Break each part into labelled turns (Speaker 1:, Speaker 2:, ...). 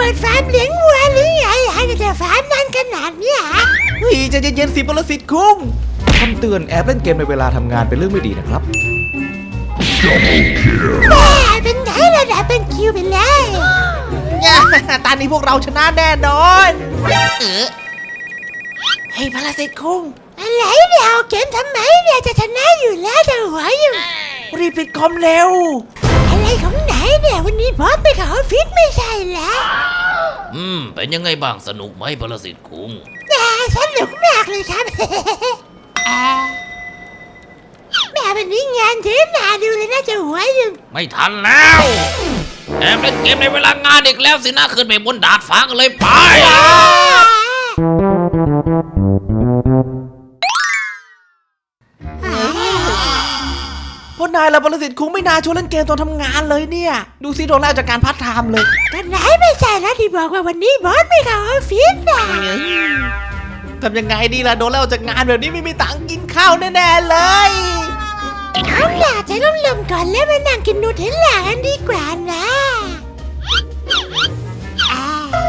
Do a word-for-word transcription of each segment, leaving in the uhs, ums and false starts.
Speaker 1: ปิดฟาร์มเลี้ยงวัวหรือไงให้แต่ฟาร์มนั่นขนาดนี้ฮะ
Speaker 2: เฮ้ยใจเย็นๆสิปรสิตคุ้งคำเตือนแอบเล่นเกมในเวลาทำงานเป็นเรื่องไม่ดีนะครับ
Speaker 1: แม่เป็นไงระดับเป็นคิวไปเลย
Speaker 2: ตอนนี้พวกเราชนะแน่นอนเออให้ปรสิตคุ้ง
Speaker 1: อะไรเนี่ยเอาเกมทำไมเนี่ยจะชนะอยู่แล้วจะหัวอยู่
Speaker 2: รีบปิดคอมเร็ว
Speaker 1: อะไรของไหนเนี่ยวันนี้บอสไปเข้าออฟฟิศไม่ใช่แล้ว
Speaker 3: อืมเป็นยังไงบ้างสนุกไหมปรสิตคุ้ง
Speaker 1: แต่สนุกมากเลยครับ แม่วันนี้งานเยอะหนาดูเลยน่าจะหัวอยู่
Speaker 3: ไม่ทันแล้วแอบเล่นเกมในเวลางานอีกแล้วสินะขึ้นไปบนดาดฟ้ากันเลยไป
Speaker 2: พวกนายและปรสิตคุ้งไม่น่าชวนเล่นเกมตอนทำงานเลยเนี่ยดูสิโดนไล่จากการพาร์ทไทม์เลย
Speaker 1: กันไหนไม่ใช่แล้วที่บอกว่าวันนี้บอสไม่เข้าออฟฟิศนะ
Speaker 2: ทำยังไงดีล่ะโดนไล่ออกจากงานแบบนี้ไม่มีตังค์กินข้าวแน่ๆเลย
Speaker 1: เอาล่ะใจร่มๆก่อนแล้วมานั่งกินนูเทลล่ากันดีกว่านะอ่า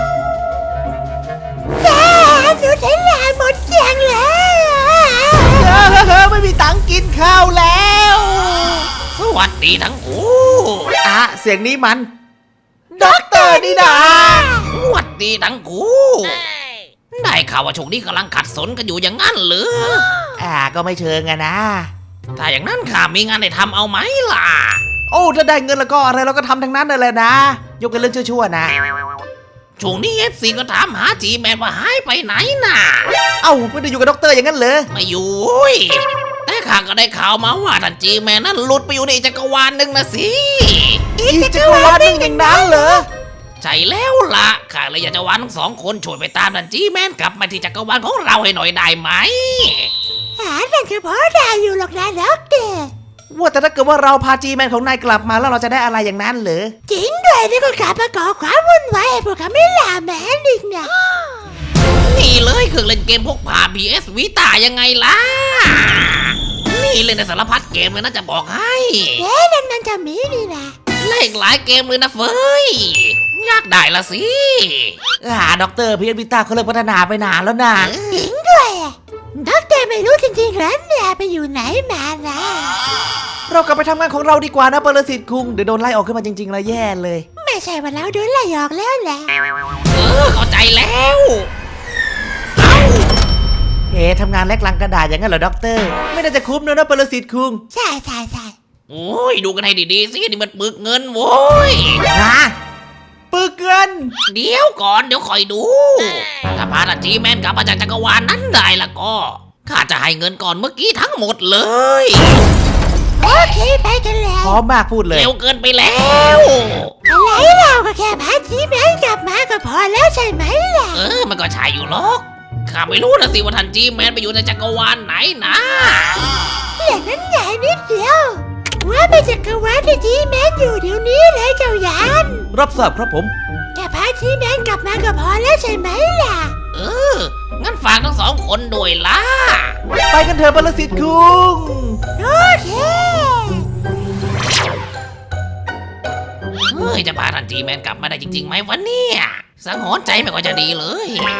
Speaker 1: แม่นูเทลล่าหมดเกลี้ยงแล้ว
Speaker 2: เฮ้อไม่มีตังค์กินข้าวแล้ว
Speaker 3: สวัสดีทั้งคู่
Speaker 2: อ่ะเสียงนี้มันด็อกเตอร์นี่นะ
Speaker 3: สวัสดีทั้งคู่ได้ข่าวว่าช่วงนี้กำลังขัดสนกันอยู่อย่างนั้นหรือ
Speaker 2: อ่าก็ไม่เชิงอะนะ
Speaker 3: ถ้าอย่างนั้นข้ามีงานให้ทำเอาไหมล่ะ
Speaker 2: โอ้ถ้าได้เงินแล้วก็อะไรเราก็ทำทั้งนั้นเลยนะยกเป็นเรื่องชั่วๆนะ
Speaker 3: ช่วงนี้เอฟซีก็ถามหาจีแมนว่าหายไปไหนน่ะ
Speaker 2: เอ้าไม่ได้อยู่กับด็อกเตอร์อย่างนั้นเหรอ
Speaker 3: ไม่อยู่เว้ยแต่ข้าก็ได้ข่าวมาว่าท่านจีแมนนั้นหลุดไปอยู่ในจักรวาลหนึ่งนะสิ
Speaker 2: อีกจักรวาลหนึงอย่างนั้นเหรอ
Speaker 3: ใช่แล้วล่ะข้าเลยอยากจะวานทั้งสองคนช่วยไปตามท่านจีแมนกลับมาที่จักรวาลของเราให้หน่อยได้ไหม
Speaker 1: หาแต่เฉพาะได้อยู่หรอกนะด็อกเตอร์
Speaker 2: ว่าแต่ถ้าเกิดว่าเราพาจีแมนของนายกลับมาแล้วเราจะได้อะไรอย่างนั้นเหรอ
Speaker 1: จริงด้วยนี่ก็กลับมาก่อความวุ่นวายให้พวกเขาไม่ลาแมนอีกนะ
Speaker 3: นี่เลยเครื่องเล่นเกมพกพา พี เอส Vita ยังไงล่ะ นี่เล่นในสารพัดเกมเลยนะจะบอกให้
Speaker 1: เอ๊ะนั่นมันจะมีนี่นะ
Speaker 3: เล่นหลายเกมเลยนะเฟยอยากได้ละสิ
Speaker 2: อ่าด็อกเตอร์พีเอ็นวิต้าเขาเลิกพัฒนาไปนานแล้วนะ
Speaker 1: จริงด้วยอะด็อกเตอร์ไม่รู้จริงๆแล้วเนี่ยไปอยู่ไหนมานะ
Speaker 2: เรากลับไปทำงานของเราดีกว่านะปรสิตคุงเดี๋ยวโดนไล่ออกขึ้นมาจริงๆแล้วแย่เลย
Speaker 1: ไม่ใช่ว่าเราโดนไล่ออกแล้วแหละ
Speaker 3: เออเข้าใจแล้ว
Speaker 2: เฮ้ทำงานแลกลังกระดาษอย่างนั้นเหรอด็อกเตอร์ไม่น่าจะคุ้มเลยนะปรสิตคุง
Speaker 1: ใช่ใช่ใช่
Speaker 3: โอ้ยดูกันให้ดีๆสินี่มันปึกเงินโว้ย
Speaker 2: ฮะปึกเงิน
Speaker 3: เดี๋ยวก่อนเดี๋ยวคอยดู ถ้าพาท่านจีแมนกลับมาจากจักรวาลนั้นได้ละก็ข้าจะให้เงินก่อนเมื่อกี้ทั้งหมดเลย
Speaker 1: โอเคไปกันแล้ว
Speaker 2: พร้อมมากพูดเลย
Speaker 3: เร็วเกินไปแล้ว
Speaker 1: อะไรเราก็แค่พาจีแมนกลับมาก็พอแล้วใช่ไหมล่ะ
Speaker 3: เออมันก็ใช่อยู่หรอกข้าไม่รู้นะสิว่าท่านจีแมนไปอยู่ในจักรวาลไหนนะ
Speaker 1: อย่างนั้นใหญ่นิดเดียวว่าไปจักรวาลที่จีแมนอยู่เดี๋ยวนี้เลยเจ้ายาน
Speaker 2: รับทราบครับผม
Speaker 1: แค่พาจีแมนกลับมาก็พอแล้วใช่ไหมล่ะ
Speaker 3: เอองั้นฝากทั้งสองคนด้วยล่ะ
Speaker 2: ไปกันเถอะปรสิตคุง
Speaker 1: โอเค
Speaker 3: เฮ้ยจะพาท่านจีแมนกลับมาได้จริงๆไหมวะเนี่ยสังหรณ์ใจไม่ค่อยจะดีเลย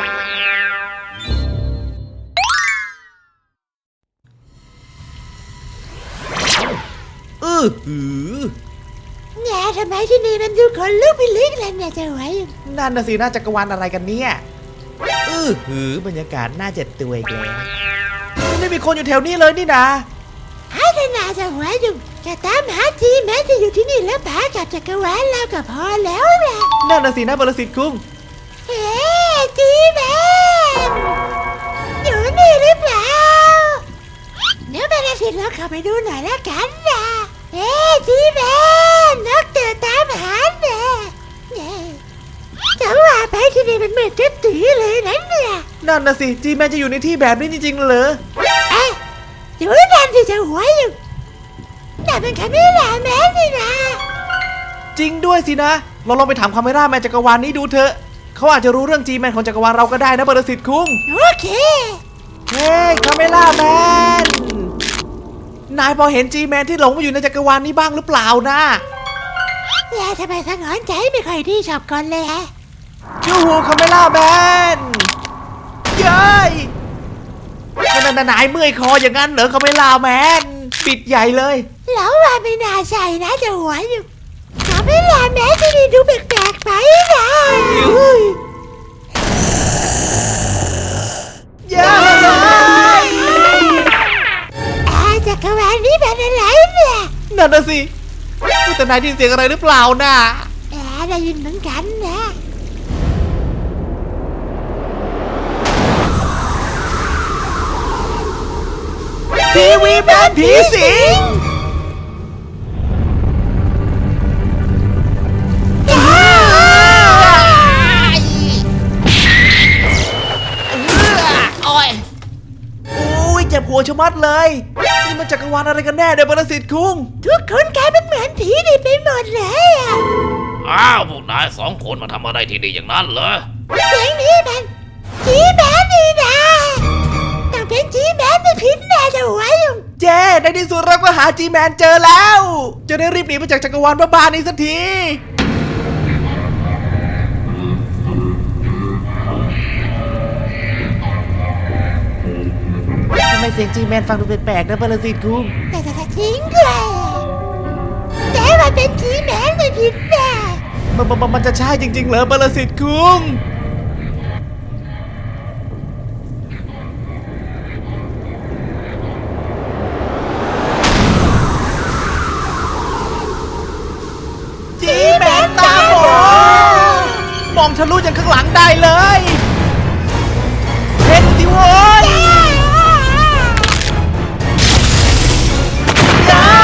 Speaker 2: เออหือ
Speaker 1: แง่ทำไมที่นี่มันดูคนลุกพิลึกเลยเนี่ยเจ้าไว้
Speaker 2: นั่นน่ะสิน่าจักรวาลอะไรกันเนี่ยเออหือบรรยากาศน่าเจ็บตัวอีกแล้วไม่ได้มีคนอยู่แถวนี้เลยนี่นะ
Speaker 1: ไอ้ขนาดเจ้าไว้อยู่แค่ตามหาจีแมนที่อยู่ที่นี่แล้วพากลับจักรวาลแล้วก็พอแล้วล่ะ
Speaker 2: นั่นน่ะสินะปรสิตคุง
Speaker 1: เฮ้จีแมนอยู่นี่หรือเปล่าเดี๋ยวแม่สิเราเข้าไปดูหน่อยแล้วกันนะเฮ้จีแมนนกเตือนตามหาเนี่ยจะว่าไปที่นี่มันเหมือนจะตีเลยนะเนี่ย
Speaker 2: นั่นน่ะสิจีแมนจะอยู่ในที่แบบนี้จริงๆเหรอ
Speaker 1: เอ๊ะดูนั่นที่จะหัวอยู่แต่เป็นคาเมล่าแมนนี่นะ
Speaker 2: จริงด้วยสินะเราลองไปถามคาเมร่าแมนจักรวาลนี้ดูเถอะเขาอาจจะรู้เรื่องจีแมนของจักรวาลเราก็ได้นะปรสิตคุง
Speaker 1: โอเค
Speaker 2: เฮ้ยคาเมล่าแมนนายพอเห็นจีแมนที่หลงมาอยู่ในจักรวาลนี้บ้างหรือเปล่านะ
Speaker 1: แล้วทำไมสังหรณ์ใจไม่ค่อยดีชอบก่อนเลยฮะ
Speaker 2: จูฮูคาเมล่าแมนเย้ยนั่นนายเมื่อยคออย่างนั้นเหรอคาเมล่าแมนปิดใหญ่เลย
Speaker 1: แล้วว่าไม่น่าใช่นะจะหัวอยู่ทำให้ลาแม้ที่นี่ดูแปลกๆไปนะ
Speaker 2: เย้ย
Speaker 1: อาจักรวาลนี้เป็นอะไรเนี่ย
Speaker 2: นั่นน่ะสิแต่นายได้ยินเสียงอะไรหรือเปล่าน่ะ
Speaker 1: แอบได้ยินเหมือนกันนะ
Speaker 2: ทีวีแมนผีสิง
Speaker 3: โอ้ย
Speaker 2: อุ้ยเจ็บหัวชะมัดเลยนี่มันจักรวาลอะไรกันแน่เดี๋ยวปรสิตคุง
Speaker 1: ทุกคนกลายเป็นเหมือนผีดิไปหมดเลยอะ
Speaker 3: อ้าวพวกนายสองคนมาทำอะไรที่นี่อย่างนั้นเหรอ
Speaker 1: เสียงนี้มันจีแมนนี่นะต้องเป็นจีแมนไม่ผิดแน่จะหัวอยู่
Speaker 2: เจ้ในที่สุดเราก็หาจีแมนเจอแล้ว จะได้รีบหนีไปจากจักรวาลบ้าๆนี้สักทีทำไมเสียงจีแมนฟังดูแปลกๆนะปรสิตคุง
Speaker 1: แต่แต่ทิ้งเลยแต่ว่าเป็นจีแมนไม่ผิดแน่
Speaker 2: มันมันมันจะใช่จริงๆเหรอปรสิตคุงจีแมนตาโหมองทะลุจากข้างหลังได้เลยเห็นสิโว้ยย้าย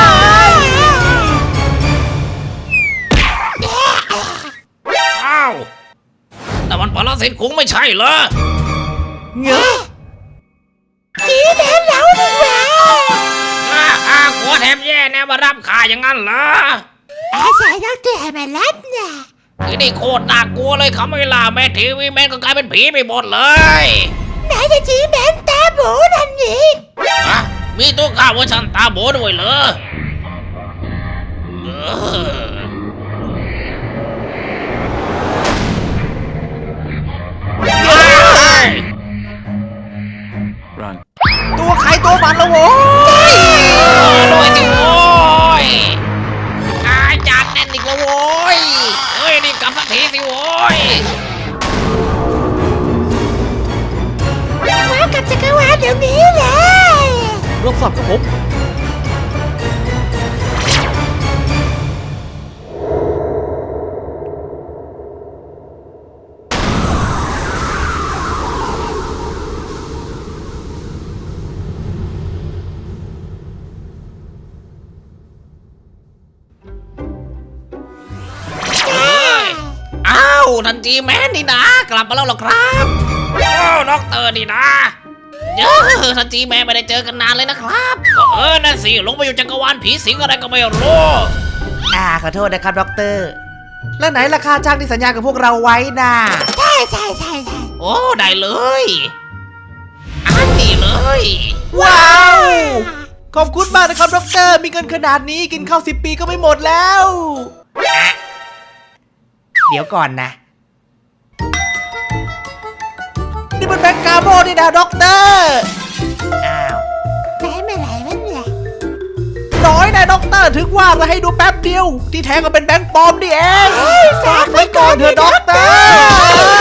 Speaker 3: อ้าวแต่มันปรสิตคุ้งไม่ใช่เหรอ
Speaker 2: เงอะ
Speaker 1: จีแมนเราดีกว่า
Speaker 3: อ้าอ้ากลัวแถมแย่แน่มารับข่าอย่างนั้นเหรอ
Speaker 1: อาศัยต้องเตือนมารับนะ
Speaker 3: ที่นี่โคตรน่ากลัวเลยเขาไม่ล่าแม่ทีวีแมนก็กลายเป็นผีไปหมดเลย
Speaker 1: ไหนจะจีแมนตาโบนั่นอีก
Speaker 3: ฮะมีตัวข้าเวอร์ชันตาโบด้วยเหรอเออ
Speaker 4: Run.
Speaker 2: ตัวใครตัวมันละโว้ย
Speaker 3: ด้วยดิโว้ยอาจารย์แน่นอีกแล้วโว้ยเฮ้ยนี่กลับสักทีสิโว้ย
Speaker 1: ว้าวกับจักรวาลเดี๋ยวนี้เลย
Speaker 2: รับสับครับผม
Speaker 3: อ้าวทันจีแมนนี่นะกลับมาแล้วเหรอครับโอ้ด็อกเตอร์นี่นะเยอะทันจีแมนไม่ได้เจอกันนานเลยนะครับก็เออนั่นสิลงไปอยู่จักรวาลผีสิงอะไรก็ไม่รู้
Speaker 2: อ่าขอโทษนะครับด็อกเตอร์ แล้วไหนราคาจ้างที่สัญญากับพวกเราไว้น่ะ
Speaker 1: ใช่ใช่ใช่ใช่
Speaker 3: โอ้ได้เลยอันนี้เลย
Speaker 2: ว้าว ขอบคุณมากนะครับด็อกเตอร์ มีเงินขนาดนี้กินข้าวสิบปีก็ไม่หมดแล้ว เดี๋ยวก่อนนะ นี่มันแบงก์กาโมนี่นะด็อกเตอร์ อ้าว
Speaker 1: ไหนมาไหนมันเนี่ย
Speaker 2: น้อยนะด็อกเตอร์ถึงว่ามาให้ดูแป๊บเดียว ที่แท้ก็เป็นแบงก์ปลอมนี่เองฝากไว้ก่อนเถอะด็อกเตอร์